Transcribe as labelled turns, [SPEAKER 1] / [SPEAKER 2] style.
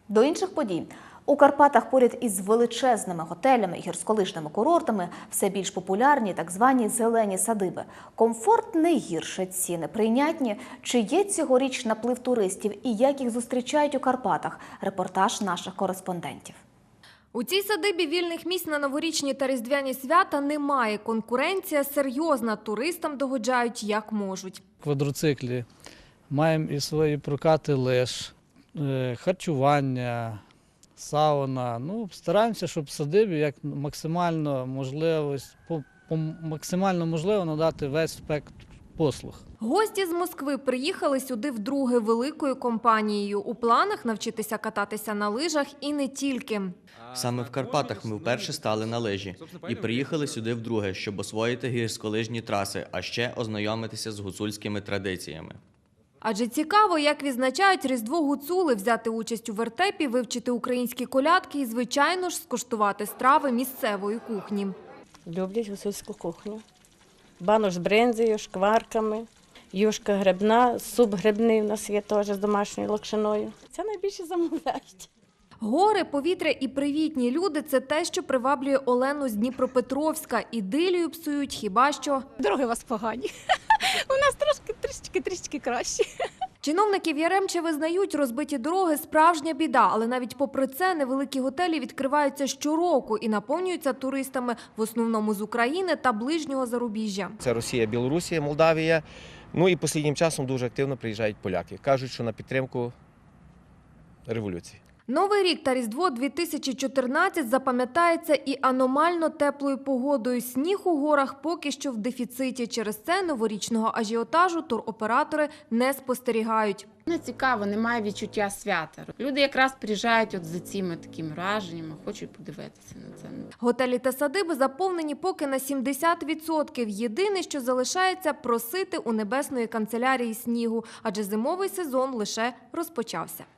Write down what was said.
[SPEAKER 1] До інших подій. У Карпатах поряд із величезними готелями і гірськолижними курортами все більш популярні так звані зелені садиби. Комфорт не гірше, ціни прийнятні. Чи є цьогоріч наплив туристів і як їх зустрічають у Карпатах? Репортаж наших кореспондентів.
[SPEAKER 2] У цій садибі вільних місць на новорічні та різдвяні свята немає. Конкуренція серйозна, туристам догоджають як можуть.
[SPEAKER 3] Квадроциклі маємо і свої прокати лиж, харчування, сауна. Стараємося, щоб садибі як максимально можливо надати весь спектр послуг.
[SPEAKER 2] Гості з Москви приїхали сюди вдруге великою компанією. У планах навчитися кататися на лижах і не тільки.
[SPEAKER 4] Саме в Карпатах ми вперше стали на лижі і приїхали сюди вдруге, щоб освоїти гірськолижні траси, а ще ознайомитися з гуцульськими традиціями.
[SPEAKER 2] Адже цікаво, як відзначають Різдво гуцули, взяти участь у вертепі, вивчити українські колядки і, звичайно ж, скуштувати страви місцевої кухні.
[SPEAKER 5] Люблять гуцульську кухню. Банош з бринзою, шкварками, юшка грибна, суп грибний у нас є теж з домашньою локшиною. Це найбільше замовляють.
[SPEAKER 2] Гори, повітря і привітні люди – це те, що приваблює Олену з Дніпропетровська. Ідилію псують хіба що.
[SPEAKER 6] Дороги у вас погані. У нас трішки кращі.
[SPEAKER 2] Чиновники в Яремче визнають, розбиті дороги – справжня біда. Але навіть попри це невеликі готелі відкриваються щороку і наповнюються туристами в основному з України та ближнього зарубіжжя.
[SPEAKER 7] Це Росія, Білорусія, Молдавія. І останнім часом дуже активно приїжджають поляки. Кажуть, що на підтримку революції.
[SPEAKER 2] Новий рік та Різдво 2014 запам'ятається і аномально теплою погодою. Сніг у горах поки що в дефіциті. Через це новорічного ажіотажу туроператори не спостерігають.
[SPEAKER 8] Не цікаво, немає відчуття свята. Люди якраз приїжджають за цими такими враженнями, хочуть подивитися на це.
[SPEAKER 2] Готелі та садиби заповнені поки на 70%. Єдине, що залишається – просити у Небесної канцелярії снігу, адже зимовий сезон лише розпочався.